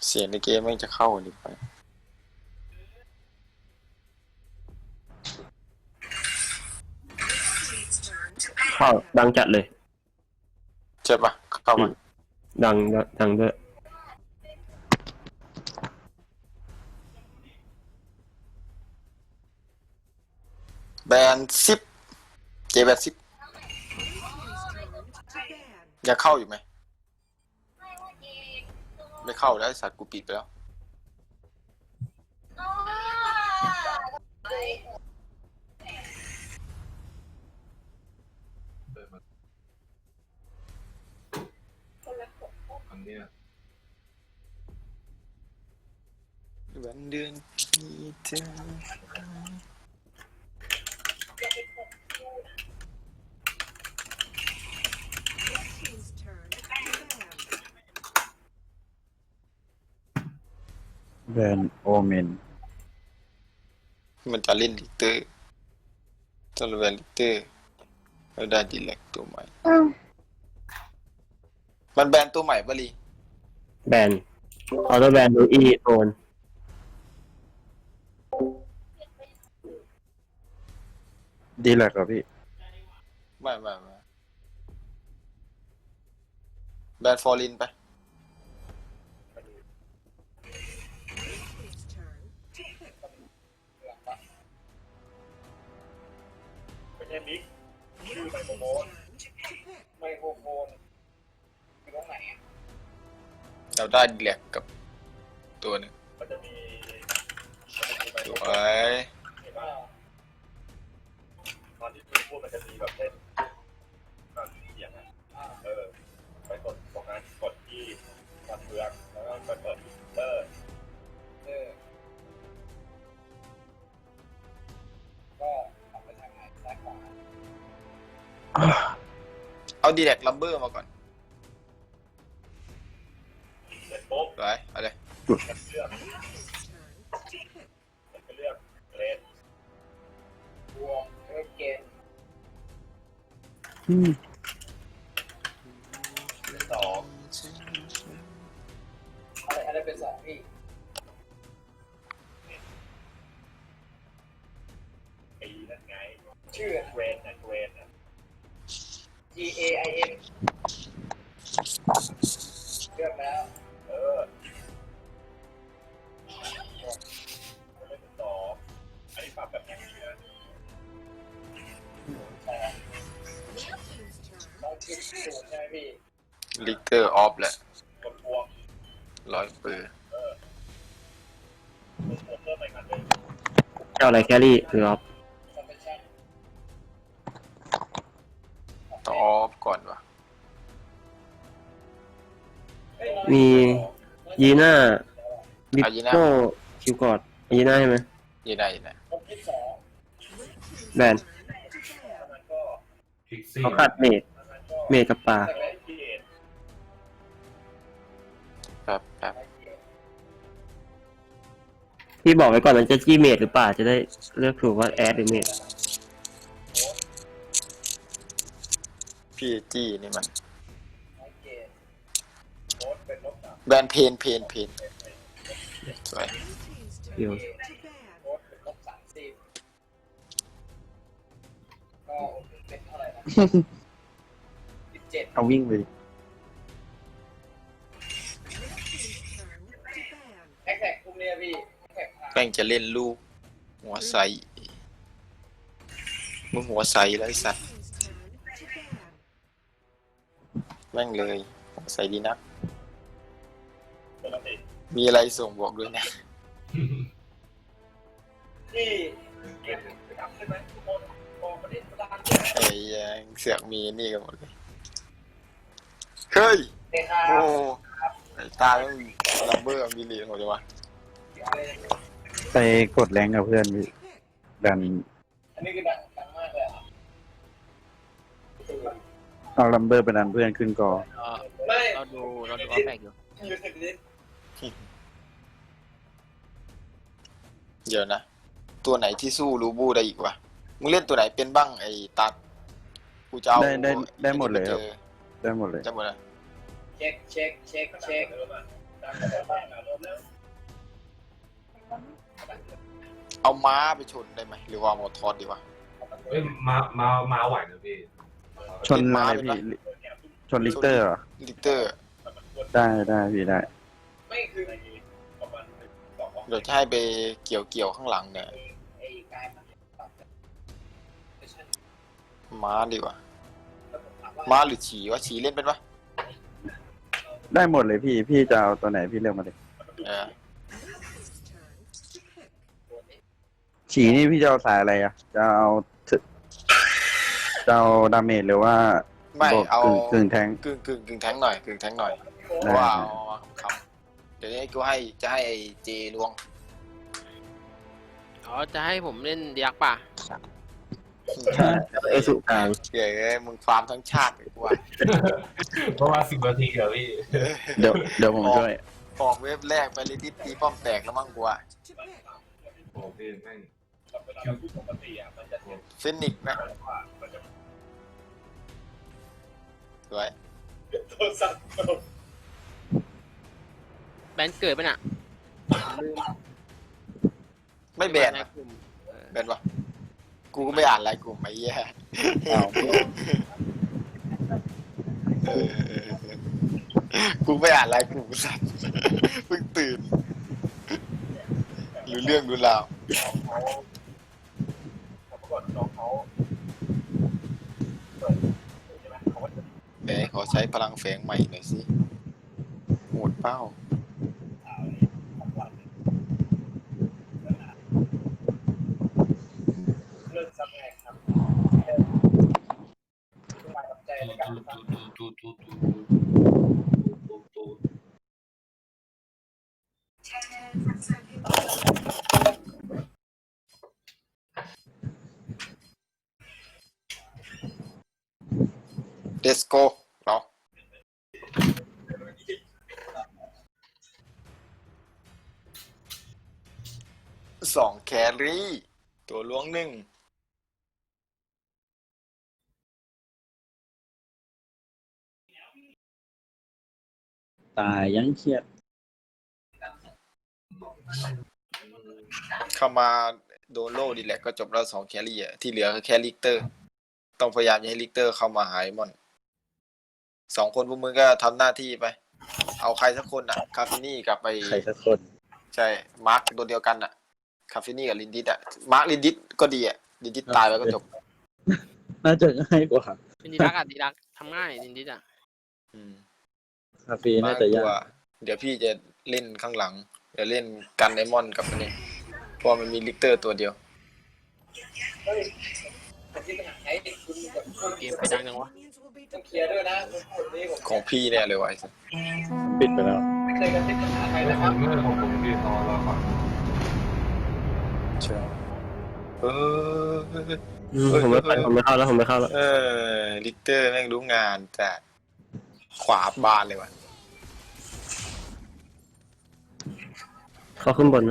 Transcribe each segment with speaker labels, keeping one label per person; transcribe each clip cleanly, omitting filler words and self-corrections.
Speaker 1: เสียงในเกมมันจะเข้าดิไป
Speaker 2: เข้าดังจัดเลย
Speaker 1: ใช่ปะเข้ามา
Speaker 2: ดังด้วย
Speaker 1: แบนซิปเจแบนซิปยังเข้าอยู่ไหมไม่เข้าแล้วไอ้สัตว์กูปิดไปแล้ววันเดือนปีเธอ
Speaker 3: แบนโอเมน
Speaker 1: มันจะเล่นลิเตอร์จนแบนลิเตอร์แล้วได้ดีแลกตัวใหม่มันแบนตัวใหม่ปะลี
Speaker 2: แบนออโต้แบนดูอีโอน
Speaker 3: ดีแหละครับพี่
Speaker 1: ไม่แบนฟอร์ลินไป
Speaker 4: ไม่ใช่บิ๊กชื่อไมโครโฟนอยู่ตรงไหน
Speaker 1: เราได้ดีแลกกับตัวหนึ่ง
Speaker 4: มันจะมี
Speaker 1: สวย
Speaker 4: เห็นป่ะตอนที่พี่พูดมันจะมีแบบเล่นเสียงไปกดตรงนั้นกดที่กดเฟืองแล้วก็ไปเปิดอินเตอร์ก็ทำไปทางไหนซ้ายขวา
Speaker 1: เอาดีแลกลัมเบอร์มาก่อน
Speaker 4: เสร็จปุ๊บ
Speaker 1: ไปเอาเลย
Speaker 4: มันเลือกเลนบวกเกณฑ์สองอะไรเป็นสองพี่ปีนั่นไงชื่อเกรนนะGAIN เลือกแล้วเล่นต่ออันนี้ปรับแบบไหนนะต้องคิดสูงใช่ไหมพี่
Speaker 1: ลิเกอร์ออฟแหละ
Speaker 4: กดพวง
Speaker 1: 100 ปืน
Speaker 4: เพิ่มไปกันเลย
Speaker 2: เจ้าอะไรแครี่หรือออฟ
Speaker 1: ต้องออฟก่อนวะ
Speaker 2: มียีน่าบิโก้คิวกอดยีน่าใช่ไหม
Speaker 1: ยีน่า
Speaker 2: แบนเขาขาดเมดกับปลา
Speaker 1: ครับ
Speaker 2: พี่บอกไว้ก่อนมันจะจี้เมดหรือเปล่าจะได้เลือกถูกว่าแอดหรือเมด
Speaker 1: พี่จี้นี่มันแบนเพนสวย
Speaker 2: เดี๋ยว
Speaker 3: เอาวิ่งไป
Speaker 1: แป้งจะเล่นลูกหัวใสมึงหัวใสแล้วไอ้สัตว์แม่งเลยหัวใสดีนักมีอะไรส่งบอกด้วยนะไอ้ยังเสือกมีนี่กันหมดเลยเฮ้ยโอ้ไอ้ตาต้องลัมเบอร์มีเหรียญหมดเลยวะ
Speaker 3: ไปกดแรงกับเพื่อนพี่ดัน
Speaker 4: อันนี้คือดังมากเลย
Speaker 3: เอาลัมเบอร์ไปดันเพื่อนขึ้นกอ
Speaker 5: เราดูออฟแบกอยู่
Speaker 1: เดี๋ยวนะตัวไหนที่สู้รูบูได้อีกวะมึงเล่นตัวไหนเป็นบ้างไอ้ตัดกูจะเอา
Speaker 3: ได้หมดเลยครับได้หมดเลย
Speaker 1: จะหมดเลย
Speaker 4: เช็ค
Speaker 1: เอาม้าไปชนได้ไหมหรือว่าเอาทอดดีวะ
Speaker 4: เฮ้ยมาไหวนะพี่
Speaker 3: ชนอะไรพี่ชนลิกเตอร์เหรอ
Speaker 1: ลิเตอร์
Speaker 3: ได้พี่ได้
Speaker 1: เดี๋ยวจะให้ไปเกี่ยวข้างหลังเนี่ยม้าดีกว่าม้าหรือฉีวะฉีเล่นเป็นปะ
Speaker 3: ได้หมดเลยพี่จะเอาตัวไหนพี่เลือกมาเลย
Speaker 1: เออ
Speaker 3: ฉีนี่พี่จะเอาสายอะไรอ่ะจะเอาดาเมจหรือว่า
Speaker 1: ไม่
Speaker 3: บวก
Speaker 1: เอา
Speaker 3: กึ่งแทง
Speaker 1: กึ่งแทงหน่อยกึ่งแทงหน่อยเพ
Speaker 3: ได้
Speaker 1: ราะว่าเอามาคำเดี๋ยวนี้กูจะให้ไอ้เจลวง
Speaker 5: อ๋อจะให้ผมเล่นเดียกป่ะ
Speaker 2: เอสุกลาง
Speaker 1: เก๋มึงฟาร์มทั้งชาติเลยกูว่า
Speaker 4: เพราะว่า10 นาทีเหรอพี่
Speaker 3: เดี๋ยวผมช่วย
Speaker 1: ออกเว็บแรกไปเลยดิตีป้อมแตกแล้วมั้งกูว่า
Speaker 4: โอ้พี่แม่งคิวปกติอ่ะมันจะ
Speaker 1: ฟินิกซ์นะสวย
Speaker 4: โทรศัพท์
Speaker 5: แบนเกิดป่ะน่ะลืม
Speaker 1: ไม่แบน
Speaker 5: ใน
Speaker 1: นะ
Speaker 5: กลุ่ม
Speaker 1: แบนวะกูก็ไม่อ่านรายกลุ่มไอ้แย่
Speaker 3: อ้าว
Speaker 1: กูไม่อ่านรายกลุ่มสัตว์เพิ่งตื่นรู้เรื่องรู้ราว เดี๋ยวขอใช้พลังแฝงใหม่หน่อยสิโหดเป้าเดสโก้เนาะ2 แครี่ ตัวล้วง1
Speaker 3: ตายยังเครียด
Speaker 1: เข้ามาโดนโล่ดีแหละก็จบแล้ว2 แครี่อ่ะที่เหลือคือแค่ลิกเตอร์ ต้องพยายามอย่าให้ลิกเตอร์เข้ามาหายมอน2 คนพวกมึงก็ทำหน้าที่ไป เอาใครสักคนอ่ะ คาฟินี่กับไป
Speaker 3: ใครสักคน
Speaker 1: ใช่ มาร์คตัวเดียวกันอ่ะ คาฟินี่กับลินดิสอ่ะ มาร์คลินดิสก็ดีอ่ะ ลินดิสตายไปก็จบ
Speaker 3: น่าจะง่ายกว่า
Speaker 5: เป็นดีดักอ่ะดีดักทำง่ายจริงๆอ่ะ
Speaker 1: อืม
Speaker 3: คาเฟ่
Speaker 1: มา
Speaker 3: น่า
Speaker 1: ร์ค
Speaker 3: จะ
Speaker 1: ตั
Speaker 3: ยาว ก
Speaker 1: เดี๋ยวพี่จะเล่นข้างหลัง เดี๋ยวเล่นกันไดมอนด์กับอันนี้เพราะมันมีลิกเตอร์ตัวเดียว
Speaker 5: เกมไปดังจังวะ
Speaker 1: ของพี่เนี่ยเลยว่ะไอ้สัส
Speaker 3: ปิดไปแล้ว
Speaker 4: ผมเมื่อของผมพี่รอก่อน
Speaker 1: ใช่เออ
Speaker 2: ผมไม่เข้าแล้วผมไม่เข้าแล้ว
Speaker 1: ลิกเตอร์แม่งรู้งานแต่ขวาบานเลยว่ะ
Speaker 2: เข้าขึ้นบนนะ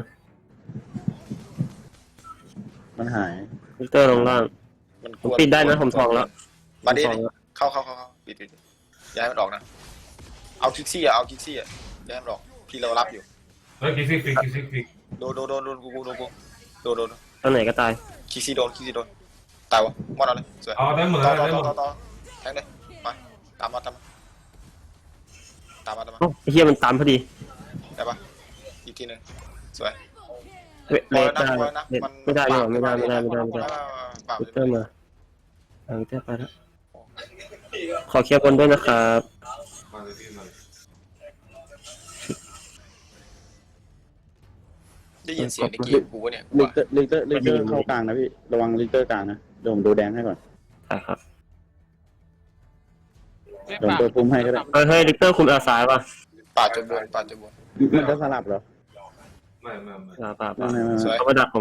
Speaker 3: มันหาย
Speaker 2: วิกเตอร์ลงล่าง
Speaker 1: มันก
Speaker 2: ผม
Speaker 1: วน
Speaker 2: ปิดได้นะผมทองแล้ว
Speaker 1: มาดิ
Speaker 2: ผมทองแล้ว
Speaker 1: เข้าปิดย้ายมันออกนะ เอาคิกซี่อ่ะย้ายมันออกพี่เรารับอยู่
Speaker 4: เฮ้ยคิกซิก
Speaker 1: โดนกูโดน
Speaker 2: ตอนไหนก็ตาย
Speaker 1: คิกซี่โดนตายวะมอดเอาเลยสวย
Speaker 4: เอาได้หมด
Speaker 1: ต่
Speaker 4: แล้วได้หมด
Speaker 1: อแทงเลยมาตามมา
Speaker 2: โอ้ไอ้เหี้ยมันตามพอดี
Speaker 1: ได้ปะอีกทีหนึงสวย
Speaker 2: เลสได้ไม่ได้เลยไม่ได้วิกเตอร์มาวิกเตอร์ไปแล้วขอเคลียร์บนด้วยนะครับ
Speaker 4: มาเลยพี่มา
Speaker 1: ได้ยินเสียงในเกมกูวะเนี่ย
Speaker 3: ลิกเตอร์เข้ากลางนะพี่ระวังลิกเตอร์กลางนะเดี๋ยวผมดูแดงให้ก่อน
Speaker 2: ใช่ครับ
Speaker 5: เรียก
Speaker 3: เดี๋ยว
Speaker 5: ป่ะ
Speaker 3: ตัวพุ่มให้ก็ได้
Speaker 2: เฮ้ยลิกเตอร์คุมอาซ้ายป่ะ
Speaker 1: ป่าดจนบน
Speaker 3: มันจะสลับเหรอ
Speaker 4: ไม่
Speaker 2: ป่า
Speaker 3: ไม่
Speaker 1: สวย
Speaker 2: เขามาดักผม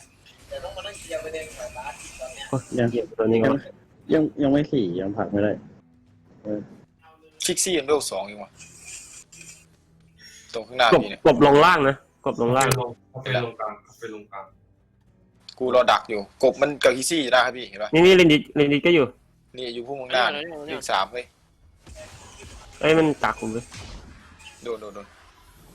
Speaker 3: ยัง
Speaker 2: เหี้ยตัวนี้ก็
Speaker 3: ยังไม่สี่ยังผลักไม่ได้
Speaker 1: คิกซี่ยังเวล2อยู่วะตรงข้างหน้าก
Speaker 2: บ
Speaker 1: พี่เนี่ย
Speaker 2: กบลงล่างนะกบลงล่าง
Speaker 4: ไปลงกลาง
Speaker 1: กูรอดักอยู่กบมันกับคิกซี่ได้ครับพี่เห็นปะ
Speaker 2: นี่เรนดิก็อยู่
Speaker 1: นี่อยู่พวกมึงหน้าอีก3เฮ้ย
Speaker 2: เอ้ยมันตักผมเลย
Speaker 1: โดน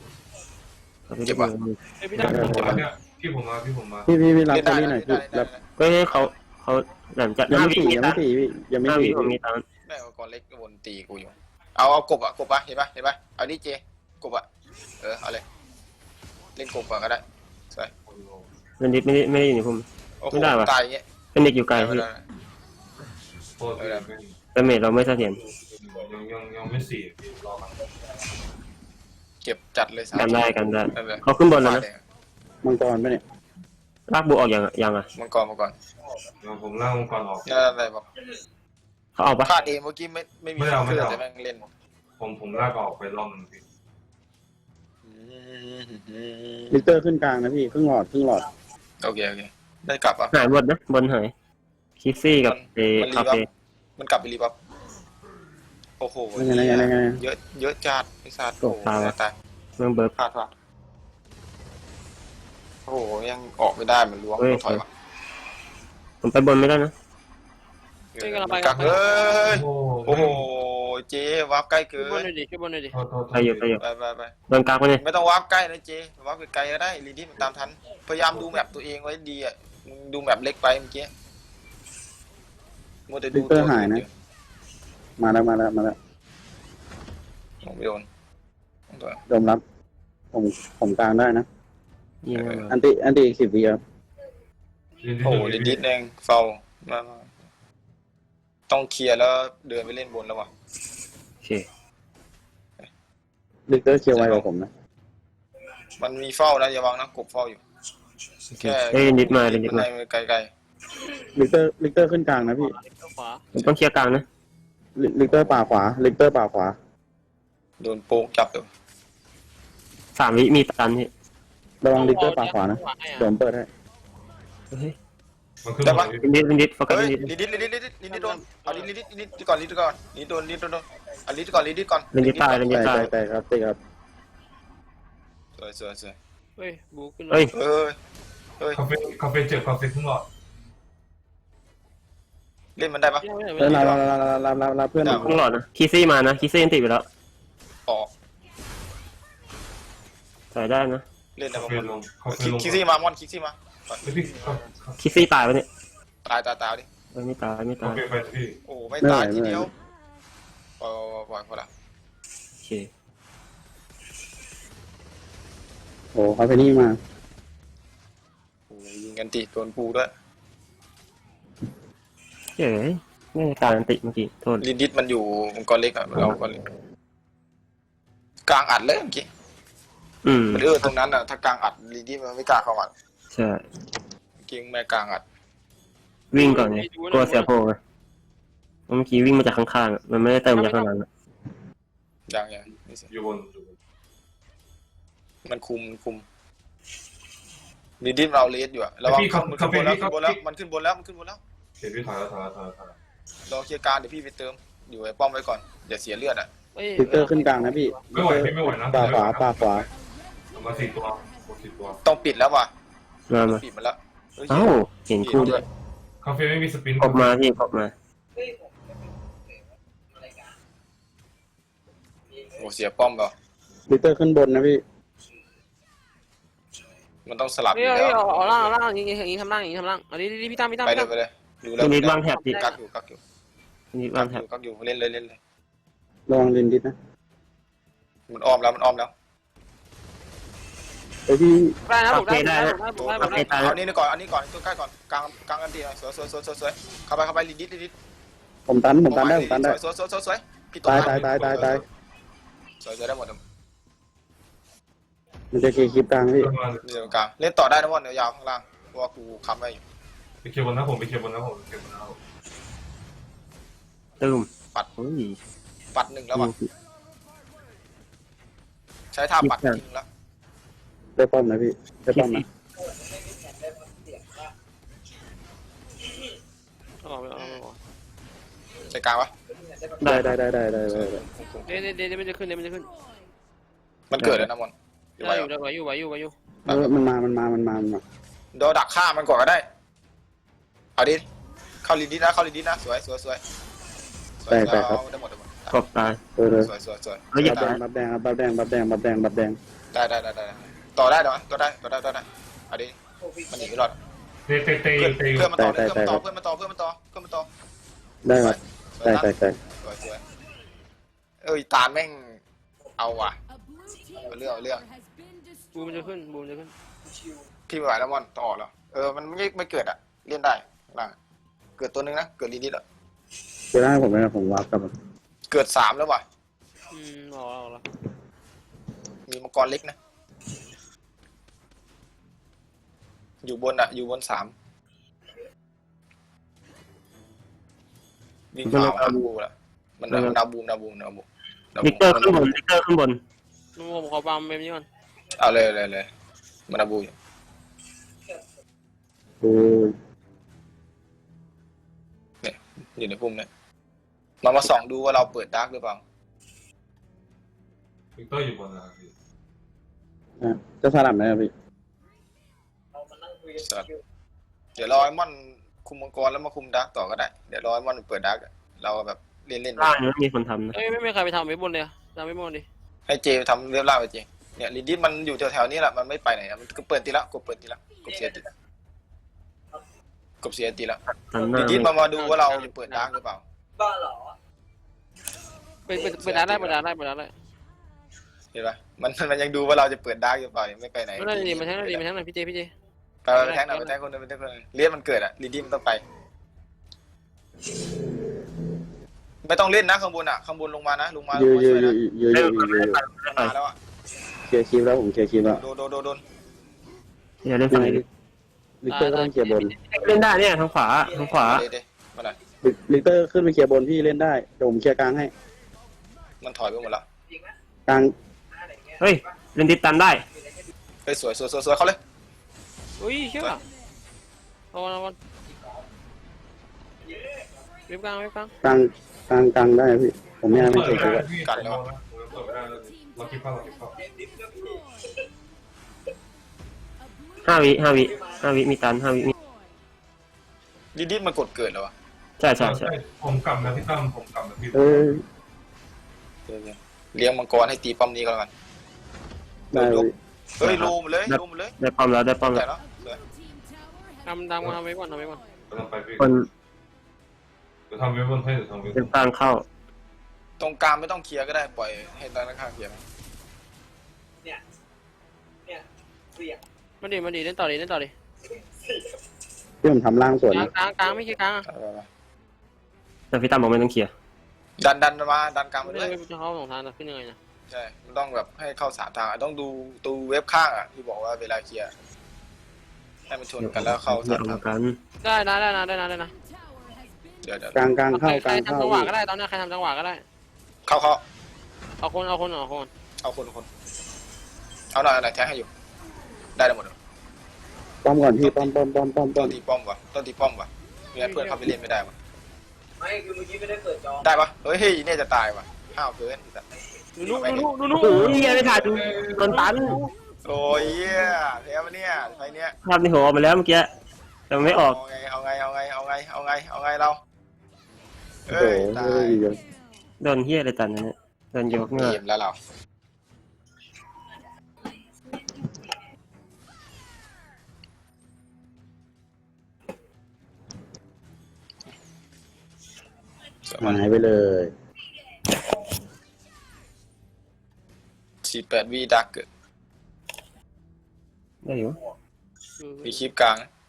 Speaker 2: เอาไป
Speaker 1: เจ็
Speaker 2: ดู
Speaker 1: บปะ
Speaker 5: เฮ้ยพี่ดัก
Speaker 4: เนี่ยพี่ผมมาพี่ผมมา
Speaker 3: พี่รับ
Speaker 1: เล่น
Speaker 3: แค
Speaker 1: ได้
Speaker 3: รี่หน่อยพี่
Speaker 1: ได้
Speaker 3: รับ
Speaker 2: ก็ให้เขาหลังจาก
Speaker 3: ยังไม่
Speaker 2: 5
Speaker 3: สี่ยังไม่สี่พี่ยังไม่
Speaker 2: 5 วิ
Speaker 3: สี่
Speaker 2: ผมมีตังค์
Speaker 1: ได้เอาก่อนเล็กวนตีกูอยู่เอากบอ่ะกบปะเห็นปะเอาดิเจกบอ่ะเอาเลยเล่นกบก่อนก็ได้สวย
Speaker 2: เป็นดิสไม่ได้อยู่ในผม
Speaker 1: โอ้โห
Speaker 2: ไม่ได้วะ
Speaker 1: ตายอย่างเงี้ย
Speaker 2: เป็นเด็กอยู่ไกลพี่
Speaker 4: โทษพี่
Speaker 2: แต่เมจเราไม่เสถียร
Speaker 4: ยังไม่สี่พี่รอกัน
Speaker 1: เก็บจัดเลย
Speaker 2: กันได้กันได้
Speaker 1: นั่นเลย
Speaker 2: เขาขึ้นบนแล้วนะ
Speaker 3: มังกรปะเนี่ย
Speaker 2: ลากบูออกยังอ่ะ
Speaker 1: มังกร
Speaker 4: ผมล่างมังกรออก
Speaker 1: นั่นอะไรบอก
Speaker 2: เขาเอาปะ
Speaker 1: คาดเองเมื่อกี้ไม่มี
Speaker 4: ไม่เอา
Speaker 1: เครื่องแต่แม่งเล่น
Speaker 4: ผมลากออกไปรอบนึงพี่
Speaker 3: ลิเตอร์ขึ้นกลางนะพี่ครึ่งหลอด
Speaker 1: โอเคได้กลับอ่ะ
Speaker 2: หายหมดนะบนหายคิสซี่กับคาเฟ่
Speaker 1: มันกลับไปรีบับโอ้โห
Speaker 3: ยังไง
Speaker 1: เยอะจัดไอ้สัตว์โอ้โหตาย
Speaker 2: เมืองเบิร์ก
Speaker 1: พลาดโอ้โหยังออกไม่ได้มันล้วงถอยว่ะ
Speaker 2: ผมไปบนไม่ได้นะ
Speaker 1: กลับเฮ้ย
Speaker 4: โอ้
Speaker 1: โอ้โหเจวาร์ปใกล้เกิ
Speaker 5: ช่วยบน
Speaker 1: น
Speaker 5: หน่อยดิช่วยบนหน่อยดิ
Speaker 2: ไปอยู่
Speaker 1: ไป
Speaker 2: โดนกากไปเนี่ย
Speaker 1: ไม่ต้องวาร์ปใกล้นะเจวาร์ปไกลๆก็ได้ลีดี้มันตามทันพยายามดูแมปตัวเองไว้ดีอ่ะดูแมปเล็กไปเมื่อกี้มัวแต่ดูตัว
Speaker 3: มาแล้ว
Speaker 1: มองไม่โดน
Speaker 3: โดมรับผมกลางได้นะ
Speaker 2: ยิง
Speaker 3: อันติอีก10 วิครับ
Speaker 1: โอ้โหลิดเองเฝ้ามาต้องเคลียร์แล้วเดินไปเล่นบนแล้วว่ะ
Speaker 2: โอเค
Speaker 3: ลิเตอร์เคลียร์ไวกว่าผมนะ
Speaker 1: มันมีเฝ้านะอย่าวางนะกบเฝ้าอยู่แค่
Speaker 2: เอ้ยนิดมา
Speaker 1: ไกล
Speaker 3: ลิเตอร์ขึ้นกลางนะพี่
Speaker 5: ขวา
Speaker 2: ผมต้องเคลียร์กลางนะ
Speaker 3: ลิเตอร์ป่าขวา
Speaker 1: ๆโดนโป๊กจับอยู่
Speaker 2: 3 วิมีตันพี่
Speaker 3: ระวังลิเตอร์ป่าขวานะเดี๋ยวผมเปิดให้
Speaker 2: เฮ้ย
Speaker 4: มันขึ้น
Speaker 2: เป็นดิสโฟกัส
Speaker 1: เฮ้ย
Speaker 2: เป็นดิส
Speaker 1: ลิดโดนเอาลิดก่อนลิดก่อนลิดโดนเอาลิดก่อน
Speaker 2: เป็นดิสตายเป็นดิสตาย
Speaker 3: แต่ครับติครับ
Speaker 1: สวย
Speaker 5: เฮ้ยบูขึ้น
Speaker 2: เฮ้ย
Speaker 1: เฮ้ย
Speaker 4: คาเฟ่เจ็บคาเฟ่ขึ้นหลอด
Speaker 1: เล่นมันได้ปะ
Speaker 3: แล้วรับเพื่อน
Speaker 2: ต้องหลอดนะคิสซี่มานะคิสซี่ยันติดไปแล้ว
Speaker 1: ออก
Speaker 2: ใส่ได้นะ
Speaker 1: เล่นได้
Speaker 4: คา
Speaker 1: ปะ
Speaker 4: เฟ่ลงคาเฟ่ลง
Speaker 1: คิกซี่มาคิกซี่มา
Speaker 4: พี่
Speaker 2: คิสซี่ตายไปเนี่ย
Speaker 1: ตายดิ
Speaker 2: ไม่ตาย
Speaker 4: คาเฟ่ไปพี่
Speaker 1: โอ้ไม่ตายทีเดียวปล่อยพอละ
Speaker 2: โอเค
Speaker 3: โอ้เขาไปนี่มา
Speaker 1: โอ้ยิงกันติโดนปูด้วย
Speaker 2: เจ๋ยไม่ได้การอันติเมื่อกี้โทษ
Speaker 1: ลินดิสมันอยู่มังกรเล็กอะเราก็กลางอัดเลยเมื่อกี้ มันตรงนั้นอะถ้ากลางอัดลินดิสมันไม่กล้าเข้าอัด
Speaker 2: ใช่
Speaker 1: เก่งแม่กลางอัด
Speaker 2: วิ่งก่อนไงกลัวเสียโพไงเมื่อกี้วิ่งมาจากข้างๆมันไม่ได้เติมจากข้างหลัง
Speaker 1: ยังนี่สิ
Speaker 4: อยู่บน
Speaker 1: มันคุมลินดิสเราเลสอยู่อะระวังมันขึ้นบนแล้วมันขึ้นบนแล้ว
Speaker 4: เสียพี่ถอยแล้ว
Speaker 1: รอเคลียร์การเดี๋ยวพี่ไปเติมอยู่ไอ้ป้อมไว้ก่อนอย่าเสียเลือดอะ
Speaker 3: ลิเตอร์ขึ้นกลางนะพี่
Speaker 4: ไม่ไหวพี่ไม่ไหวนะ
Speaker 3: ป่าขวา
Speaker 4: มา4 ตัว
Speaker 1: ต้องปิดแล้วว่ะ
Speaker 2: มา
Speaker 1: ปิดมันแล้ว
Speaker 2: เอ้าเห็นคู่ด้วย
Speaker 4: คาเฟ่ไม่มีสปิน
Speaker 2: กบมาพี่กบมา
Speaker 1: โอ้เสียป้อมเปล่า
Speaker 3: ลิเตอร์ขึ้นบนนะพี่
Speaker 1: มันต้องสลับอ
Speaker 5: เฮ้ย
Speaker 1: ยู่
Speaker 5: เฮ้ย
Speaker 1: แล้ว
Speaker 5: เอาล่างอย่างงี้ทำล่างเอาดิพี่ตั้ม
Speaker 1: ไปเลยดูแล้ว
Speaker 2: นิดวางแถบดิ
Speaker 1: กักอยู่
Speaker 2: นิดวางแถบ
Speaker 1: เล่นเลย
Speaker 3: ระวังลินดิสนะ
Speaker 1: มันอ้อมแล้ว
Speaker 3: ไอพี่
Speaker 5: ได้นะผมได้
Speaker 1: เอานี่ก่อนตัวใกล้ก่อนกลางกันดีหน่อยสวยเข้าไปลินดิส
Speaker 3: ผมตันได้
Speaker 1: สวยพี่
Speaker 3: ตาย
Speaker 1: สวยได้หมด
Speaker 3: มันจะเคลียร์คลิปกลางพี่
Speaker 1: เดี๋ยวกลางเล่นต่อได้นะวันเดี๋ยวยาวข้างล่างเพราะว่ากูค้ำไว้อยู่
Speaker 4: ไปเคลียร์บนนะผมไปเคลียร์บนนะ
Speaker 2: ตึม
Speaker 1: ปัดหนึ่งแล้วว่ะใช้ท่าปัดทีนึงแล้ว
Speaker 3: ได้ป้อมนะพี่ได้ป้อมนะ
Speaker 1: ใช้กลางวะ
Speaker 3: ได้
Speaker 5: เดี๋ยวมันจะขึ้น
Speaker 1: มันเกิดแล้วนะมอน
Speaker 5: ไหวอยู่
Speaker 3: มันมา
Speaker 1: เดี๋ยวดักฆ่ามันก่อนก็ได้เอาดิเข้าลินดิสนะสวยได้หมด
Speaker 2: กบตาย
Speaker 3: เลย
Speaker 1: สวย
Speaker 2: แล้วอย่า
Speaker 3: บับแดง
Speaker 1: ได้ต่อได้เหรอต่อได้เอาดิมันหนีไม่รอด
Speaker 4: เตะ
Speaker 1: เพื่อนมาต่อเพื่อนมาต่อ
Speaker 2: ได้ครับ
Speaker 1: สวย
Speaker 2: ได้
Speaker 1: นะสวยเอ้ยตาแม่งเอาว่ะเอาเรื่อง
Speaker 5: บูมจะขึ้นบูมจะขึ้น
Speaker 1: พี่ไม่ไหวแล้วมอนต้องออกแล้วมันไม่เกิดอ่ะเล่นได้ล่างเกิดตัวนึงนะเกิดนิดๆอ่ะ
Speaker 3: จะได้ผมไหมนะผมวาร์ปกลับมา
Speaker 1: เกิด3แล้วว่ะ
Speaker 5: ออกแล้ว
Speaker 1: มีมังกรเล็กนะอยู่บนอ่ะอยู่บน3วิ่งผ่าบูละมันนาบูม
Speaker 2: ลิกเตอร์ขึ้นบนลิกเตอร์ขึ้นบน
Speaker 5: นุ่มผมขอปั๊มแบบนี้ก่อน
Speaker 1: เอาเลยมันนาบูอยู่
Speaker 2: อืม
Speaker 1: เนี่ยอยู่ในพุ่มเนี่ยมาส่องดูว่าเราเปิดดาร์กหรือเปล่า
Speaker 4: วิกเตอร์อยู่บนนะพี่
Speaker 3: จะสลับไหมครับพี่
Speaker 1: สัตว์เดี๋ยวรอไอ้มอนคุมมังกรแล้วมาคุมดาร์กต่อก็ได้เดี๋ยวรอไอ้มอนเปิดดาร์กเราแบบเล่น
Speaker 2: ล่างยังไม่มีคนทำนะ
Speaker 5: เอ้ยไม่มีใครไปทำไม่บนเลยทำไม่บนดิ
Speaker 1: ให้เจทำเรียบร้อยไปเจเนี่ยลินดี้มันอยู่แถวๆนี้แหละมันไม่ไปไหนมันก็เปิดตีละกดเสียตีละ
Speaker 2: ตันหน้า
Speaker 1: ลินดี้มาดูว่าเราจะเปิดดาร์กหรือเปล่า
Speaker 5: เปิดร้านได้เปิดร้านได้
Speaker 1: เห็นปะมันยังดูว่าเราจะเปิดดาร์กหรือเปล่ายังไม่ไปไหน
Speaker 5: ไม่ได้ดีมาแทงหน่อยพี่เจ
Speaker 1: ไปแทงหน่อยไปแทงคนนึงเลี้ยนมันเกิดอะลินดี้มันต้องไปไม่ต้องเล่นนะข้างบนลงมานะลงมา
Speaker 3: ยื
Speaker 1: ช่วยนะ
Speaker 3: น
Speaker 1: มาแล้วอะ
Speaker 3: เคลียร์คลิปแล้วผมเคลียร์คลิปแล้ว
Speaker 1: โดน
Speaker 2: อย่าเล่นฝั่งนี้
Speaker 3: ลิกเตอร์ก็ต้องเคลียร์บน
Speaker 2: เล่นได้เนี่ยทางขวา
Speaker 1: เดมาหน่อย
Speaker 3: ลิกเตอร์ขึ้นไปเคลียร์บนพี่เล่นได้เดี๋ยวผมเคลียร์กลางให้
Speaker 1: มันถอยไปหมดแล้ว
Speaker 3: กลาง
Speaker 2: เฮ้ยเล่นติดตันได้
Speaker 1: เฮ้ยสวยเขาเลย
Speaker 5: อุ้ยเชื่อเอาวันเว็บกลาง
Speaker 3: กลางได้พี่ผมไม่ให้มันเคลียร์คลิปไว้
Speaker 1: กันแล้ว
Speaker 4: เปิดไม่ได้เราคิดเข้า
Speaker 2: 5 วิมีตัน5 วิมี
Speaker 1: ลินดี้มันกดเกิดแล้ววะ
Speaker 2: ใช่
Speaker 4: ผมกลับนะพี่ตั้มผมกลับนะพี่
Speaker 3: เออ
Speaker 1: เลี้ยงมังกรให้ตีป้อมนี้ก็แล้วกัน
Speaker 3: ได้พี่
Speaker 1: เฮ้ยลูมเลย
Speaker 2: ได้ป้อมแล้ว
Speaker 1: แต่แล้ว
Speaker 5: ทำไว้ก่อน
Speaker 4: เราต้องไปพี่
Speaker 2: คน
Speaker 4: จะทำเว็บบนให้หรือทำเว็บ
Speaker 2: เล่นกลางเข้า
Speaker 1: ตรงกลางไม่ต้องเคลียร์ก็ได้ปล่อยให้ด้านข้างเคลียร์
Speaker 5: มาดิเล่นต่อดิ
Speaker 3: พี่ผมทำล่างส่วนนะ
Speaker 5: กลางไม่ใช่กลาง
Speaker 2: แต่พี่ตั้มบอกไม่ต้องเคลียร์
Speaker 1: ดันมาดันกลางไป
Speaker 5: ไม่
Speaker 1: ด้วย
Speaker 5: จะเข้า2 ทางขึ้นยังไงนะ
Speaker 1: ใช่มันต้องแบบให้เข้า3 ทางต้องดูตูเว็บข้างที่บอกว่าเวลาเคลียร์ให้มันชนกันแล้วเข้า
Speaker 2: เดี๋ยว
Speaker 1: 3 ทาง
Speaker 2: กัน
Speaker 5: ได้นะ
Speaker 1: เดี๋ยว
Speaker 3: กลางเข้า
Speaker 5: ใค
Speaker 3: ก
Speaker 5: ร
Speaker 3: ลาง
Speaker 5: ทำ
Speaker 3: เข้า
Speaker 5: จังหวะก็ได้ตอนนี้ใครทำจังหวะก็ได้
Speaker 1: เข้า
Speaker 5: เอาคน
Speaker 1: เอาคนเอาหน่อยแทงให้อยู่ได้หมด
Speaker 3: ป้อมก่อนพี่ป้อม
Speaker 1: ต้องตีป้อมวะไม่งั้นเพื่อนเขาไปเล่นไม่ได้วะไม่คือเมื่อกี้ไม่ได้เปิดจอได้ปะเฮ้ยเนี่ยจะตายวะห้าวเกิน
Speaker 5: ดู
Speaker 2: โอ้ยไม่ทันโดนตัน
Speaker 1: โอ้ยแพ้มาเนี่ยไฟเนี้ย
Speaker 2: ภาพในหัวออกไปแล้วเมื่อกี้แต่มันไม่ออก
Speaker 1: เอาไงเรา
Speaker 3: โอ้โห
Speaker 1: ตาย
Speaker 2: โดนเฮียอะไรตันเนี่ยโดนยกเงือก
Speaker 1: เกมแล้วเรา
Speaker 3: หายไปเลย
Speaker 1: 48 วิดักเกิด
Speaker 2: ได้อยู่
Speaker 1: มีคลิปกลาง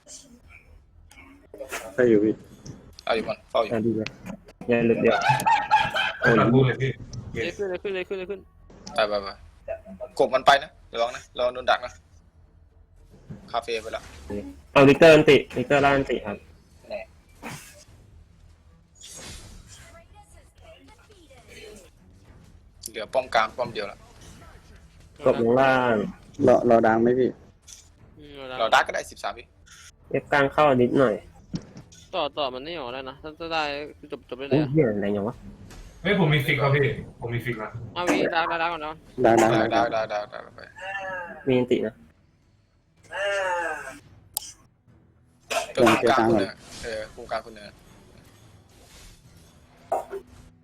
Speaker 3: ได้อยู่พี่
Speaker 1: เอาอยู่มันเฝ้าอยู่
Speaker 2: ดีเลยอย่าหลุดเดี๋ยว
Speaker 4: ตัดบูเลยพี่
Speaker 5: ขึ้น
Speaker 1: ไปกบมันไปนะเดี๋ยวลองนะลองโดนดักนะคาเฟ่ไปแล้ว
Speaker 2: เอาลิกเตอร์ล่างอันติครับ
Speaker 1: เหลือป้อมกลางป้อมเดียวละ
Speaker 2: กดลงล่าง
Speaker 3: รอดังไหมพี่
Speaker 1: เราดักก็ได้13 วิ
Speaker 2: เอฟกลางเข้านิดหน่อย
Speaker 5: ต่อมันไม่ออกแล้วนะถ้าได้จบได้เล
Speaker 2: โอ้
Speaker 5: ย
Speaker 2: ยเฮียอะไรอย่างวะ
Speaker 4: เฮ้ยผมมีฟิกครับพี่ผมมีฟิกนะ
Speaker 5: เอาวีดักก่อนนะ
Speaker 3: ดัง
Speaker 1: ได้ไป
Speaker 2: มีอันตินะ
Speaker 1: ตัวกลางคนหนึ่งกลุ่มกลางคนหนึ่ง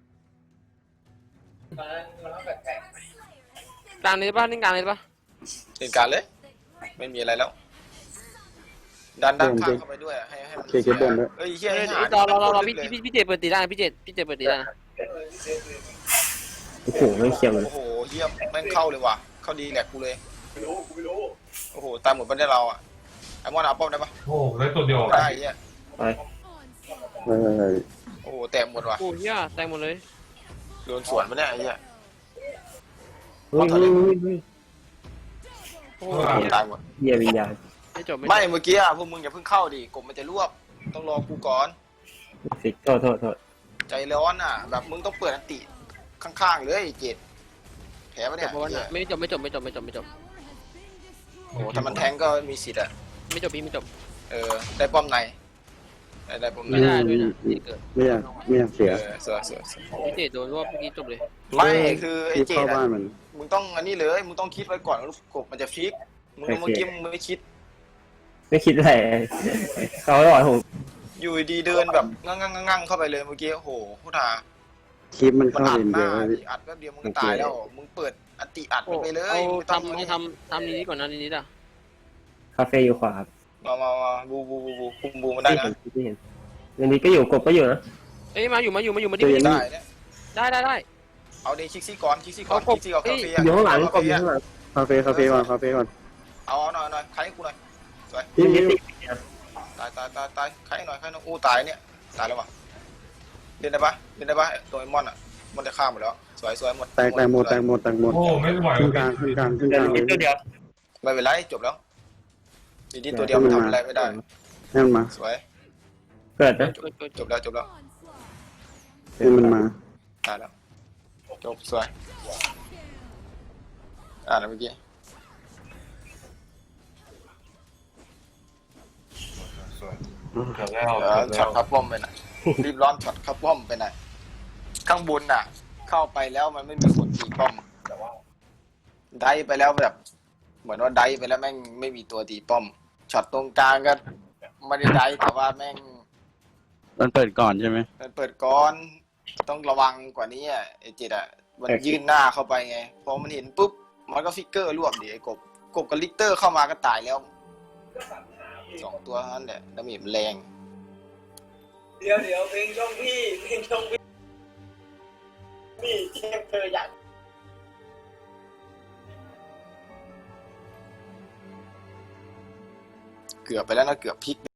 Speaker 5: กลางเลยป่ะนี่กลางเลยป่ะ
Speaker 1: เล่นการเลย ไม่มีอะไรแล้ว ดันด้านข้างเข้าไปด้วยให้มัน
Speaker 3: เคเก็บบนด้วย
Speaker 1: เอ้ยเฮีย
Speaker 5: เฮ้ย
Speaker 1: ให้หา
Speaker 5: เรา
Speaker 1: ลึกเลย
Speaker 5: พี่เจเปิดตีได้พี่เจเปิดตีได้นะ
Speaker 2: โอ้โหไม่เคลียร์มัน
Speaker 1: โอ้โหเยี่ยมแม่งเข้าเลยว่ะเข้าดีแหลกกูเลย
Speaker 4: ไม่รู้
Speaker 1: โอ้โหตามหมดบ้านได้เราอ่ะไอ้มอนเอาป้อมได้ปะ
Speaker 6: โอ้ได้ตัวเดียว
Speaker 1: ได้เฮีย
Speaker 2: ไป
Speaker 1: โอ้โหแตกหมดว่ะ
Speaker 5: โอ้เฮียแตงหมดเลย
Speaker 1: โดนสวนมาเนี่ยไอ้เฮีย
Speaker 2: เฮ้ยเฮ้ยเฮ้ย
Speaker 5: โอ้
Speaker 1: ตายหมด
Speaker 2: เหี้ยวิญญาณ
Speaker 5: ไม่จบ
Speaker 1: ไม่เมื่อกี้อะพวกมึงอย่าเพิ่งเข้าดิกบมันจะรวบต้องรอกูก่อน
Speaker 2: ฟิกโทษโทษโทษ
Speaker 1: ใจร้อนอ่ะ แบบมึงต้องเปิดอันติข้างๆเลยเจ็ดแผลปะเนี่ย
Speaker 5: เพราะว่า
Speaker 1: เหี้ย
Speaker 5: ไม่จบไม่จบไม่จบไม่จบไม่จบ
Speaker 1: โอ้โหถ้ามันแทงก็มีสิทธิ์อ่ะ
Speaker 5: ไม่จบพี่ไม่จบ
Speaker 1: ได้ป้อมในได้ป้อมใน
Speaker 5: ไม่ได้ด้วยนะที่เกิด
Speaker 3: ไม่อยากเสีย
Speaker 1: สวยสวย
Speaker 5: พี่เจโดนรวบเมื่อกี้จบเลย
Speaker 1: ไม่คือไอ้
Speaker 3: ที่
Speaker 1: เจ็
Speaker 3: เข้า
Speaker 1: ด
Speaker 3: บ้านมัน
Speaker 1: มึงต้องอันนี้เลยมึงต้องคิดไว้ก่อนว่าลูกกบมันจะฟิกมึงเมื่อกี้มึงไม่คิด
Speaker 2: ไม่คิดอะไรเขาหล่อผม
Speaker 1: อยู่ดีเดินแบบงั่งเข้าไปเลยเมื่อกี้โอ้โหพูดหา
Speaker 3: คลิปมัน
Speaker 1: มัน
Speaker 3: เข้า
Speaker 1: อัด
Speaker 3: เลน
Speaker 1: ห
Speaker 3: เดี
Speaker 1: น้า
Speaker 3: ยว
Speaker 1: ดิอัดแป๊บเดียวมึงก็ตายแล้วมึงเปิดอันติอัดมันไปเลย
Speaker 5: เอา
Speaker 1: ไม่ต้อง
Speaker 5: ทำนี้ก่อนนะนี้อ่ะ
Speaker 2: คาเฟ่อยู่ขวาครับ
Speaker 1: มาบูคุมบูมันได้
Speaker 2: ที่
Speaker 1: นะ
Speaker 2: เห็นที่เห็นวันนี้ก็อยู่กบก็อยู่นะ
Speaker 5: เอ้ยมาอยู่มาดิ
Speaker 1: ได้เนี่ย
Speaker 5: ได้
Speaker 1: เอาดิคิกซี่ก่อนคิกซี่ก่อน
Speaker 5: เอากบ
Speaker 1: คิกซี่ก่อนคาเฟ่
Speaker 2: อยู่ข้างหลังกบอยู่ข้างหลัง
Speaker 3: คาเฟ่ก่อน
Speaker 1: เอาหน่อยใครให้กูหน่อย
Speaker 3: พี่
Speaker 2: มิติ
Speaker 1: ตายใครหน่อยอู้ตายเนี่ยตายแล้ววะเล่นได้ปะตัวไอ้มอนอ่ะมันจะฆ่าหมดแล้วสวยหมด
Speaker 3: แตกหมด
Speaker 6: โอ้ไม่ไหว
Speaker 3: ขึ้น
Speaker 6: แล้
Speaker 3: กลาง
Speaker 6: ว
Speaker 2: เดี๋ยวมิติเดียว
Speaker 1: ไม่เป็นไรจบแล้วทีนี้ตัวเดียวมันทำอะไรไม่ได้
Speaker 3: ให้มันมา
Speaker 1: สวย
Speaker 2: เกิดนะ
Speaker 1: จบแล้ว
Speaker 3: ให้มันมา
Speaker 1: ตายแล้วจบสวยแล้วเมื่อกี้
Speaker 6: เกือบแล้ว
Speaker 1: ช็อตคับป้อมไปหน่อยรีบร้อนช็อตคับป้อมไปหน่อยข้างบนน่ะ เข้าไปแล้วมันไม่มีคนตีป้อมได้ไปแล้วแบบ เหมือนว่าได้ไปแล้วแม่งไม่มีตัวตีป้อมช็อตตรงกลางก็ไม่ได้ได้แต่ว่าแม่ง
Speaker 3: มันเปิดก่อนใช่ไหม
Speaker 1: มันเปิดก้อนต้องระวังกว่านี้อ่ะไอ้จิตอ่ะมันยื่นหน้าเข้าไปไงพอมันเห็นปุ๊บมันก็ฟิกเกอร์รวบดิไอ้กบกับลิกเตอร์เข้ามาก็ตายแล้ว2 ตัวเท่านั้นแหละดาเมจมันแรงเดี๋ยวเพลงช่องพี่นี่แค่เธออยากเกือบไปแล้วนะเกือบพลิก